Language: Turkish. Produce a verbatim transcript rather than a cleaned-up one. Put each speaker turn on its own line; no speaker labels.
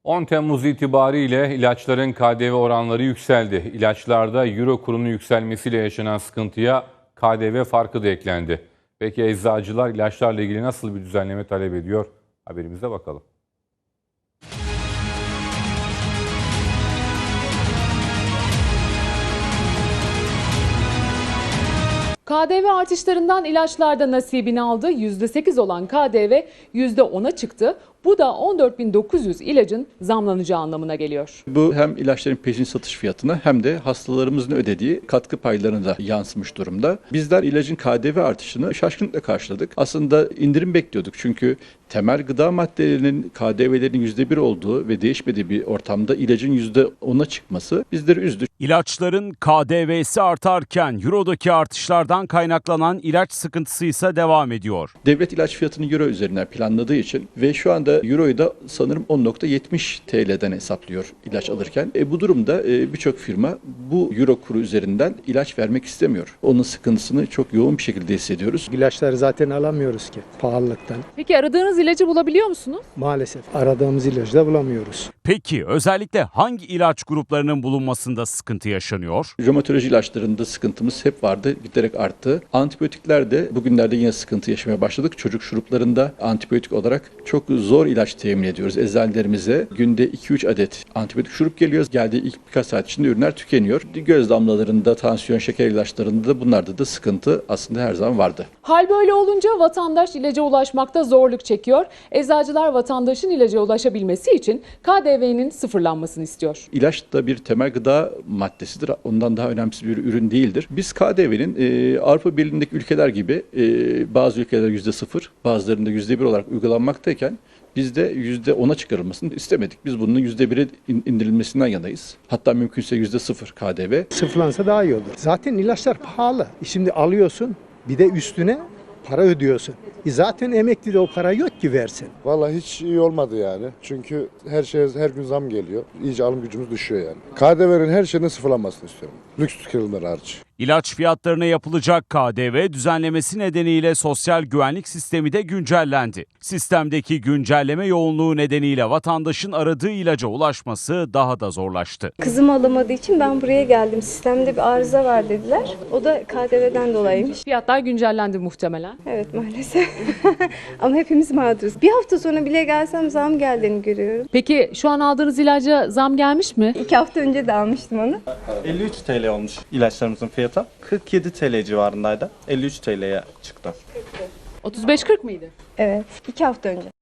on Temmuz itibariyle ilaçların K D V oranları yükseldi. İlaçlarda euro kurunun yükselmesiyle yaşanan sıkıntıya K D V farkı da eklendi. Peki eczacılar ilaçlarla ilgili nasıl bir düzenleme talep ediyor? Haberimize bakalım.
K D V artışlarından ilaçlarda nasibini aldı. yüzde sekiz olan K D V yüzde ona çıktı. Bu da on dört bin dokuz yüz ilacın zamlanacağı anlamına geliyor.
Bu hem ilaçların peşin satış fiyatına hem de hastalarımızın ödediği katkı paylarına da yansımış durumda. Bizler ilacın K D V artışını şaşkınlıkla karşıladık. Aslında indirim bekliyorduk çünkü temel gıda maddelerinin K D V'lerinin yüzde bir olduğu ve değişmediği bir ortamda ilacın yüzde ona çıkması bizleri üzdü.
İlaçların K D V'si artarken eurodaki artışlardan kaynaklanan ilaç sıkıntısı ise devam ediyor.
Devlet ilaç fiyatını euro üzerinden planladığı için ve şu anda euroyu da sanırım on nokta yetmiş T L'den hesaplıyor ilaç alırken. E, bu durumda e, birçok firma bu euro kuru üzerinden ilaç vermek istemiyor. Onun sıkıntısını çok yoğun bir şekilde hissediyoruz.
İlaçları zaten alamıyoruz ki pahalılıktan.
Peki aradığınız ilacı bulabiliyor musunuz?
Maalesef aradığımız ilacı da bulamıyoruz.
Peki özellikle hangi ilaç gruplarının bulunmasında sıkıntı yaşanıyor?
Romatoloji ilaçlarında sıkıntımız hep vardı, giderek arttı. Antibiyotiklerde bugünlerde yine sıkıntı yaşamaya başladık. Çocuk şuruplarında antibiyotik olarak çok zor ilaç temin ediyoruz. Eczanelerimize günde iki üç adet antibiyotik şurup geliyor. Geldiği ilk birkaç saat içinde ürünler tükeniyor. Göz damlalarında, tansiyon, şeker ilaçlarında da bunlarda da sıkıntı aslında her zaman vardı.
Hal böyle olunca vatandaş ilaca ulaşmakta zorluk çekiyor. Eczacılar vatandaşın ilaca ulaşabilmesi için K D V'nin sıfırlanmasını istiyor.
İlaç da bir temel gıda maddesidir. Ondan daha önemsiz bir ürün değildir. Biz K D V'nin e, Avrupa Birliği'ndeki ülkeler gibi e, bazı ülkeler yüzde sıfır, bazılarında yüzde bir olarak uygulanmaktayken biz de yüzde ona çıkarılmasını istemedik. Biz bunun yüzde bire indirilmesinden yanayız. Hatta mümkünse yüzde sıfır K D V.
Sıfırlansa daha iyi olur. Zaten ilaçlar pahalı. Şimdi alıyorsun bir de üstüne para ödüyorsun. E zaten emeklide o para yok ki versin.
Vallahi hiç iyi olmadı yani. Çünkü her şeye her gün zam geliyor. İyice alım gücümüz düşüyor yani. K D V'nin her şeyinin sıfırlanmasını istiyorum. Lüks tüketimler hariç.
İlaç fiyatlarına yapılacak K D V düzenlemesi nedeniyle sosyal güvenlik sistemi de güncellendi. Sistemdeki güncelleme yoğunluğu nedeniyle vatandaşın aradığı ilaca ulaşması daha da zorlaştı.
Kızım alamadığı için ben buraya geldim. Sistemde bir arıza var dediler. O da K D V'den dolayıymış.
Fiyatlar güncellendi muhtemelen.
Evet maalesef. Ama hepimiz mağduruz. Bir hafta sonra bile gelsem zam geldiğini görüyorum.
Peki şu an aldığınız ilaca zam gelmiş mi?
İki hafta önce de almıştım onu.
elli üç T L olmuş ilaçlarımızın fiyatı. kırk yedi T L civarındaydı. elli üç T L'ye çıktı.
otuz beş kırk mıydı?
Evet. iki hafta önce.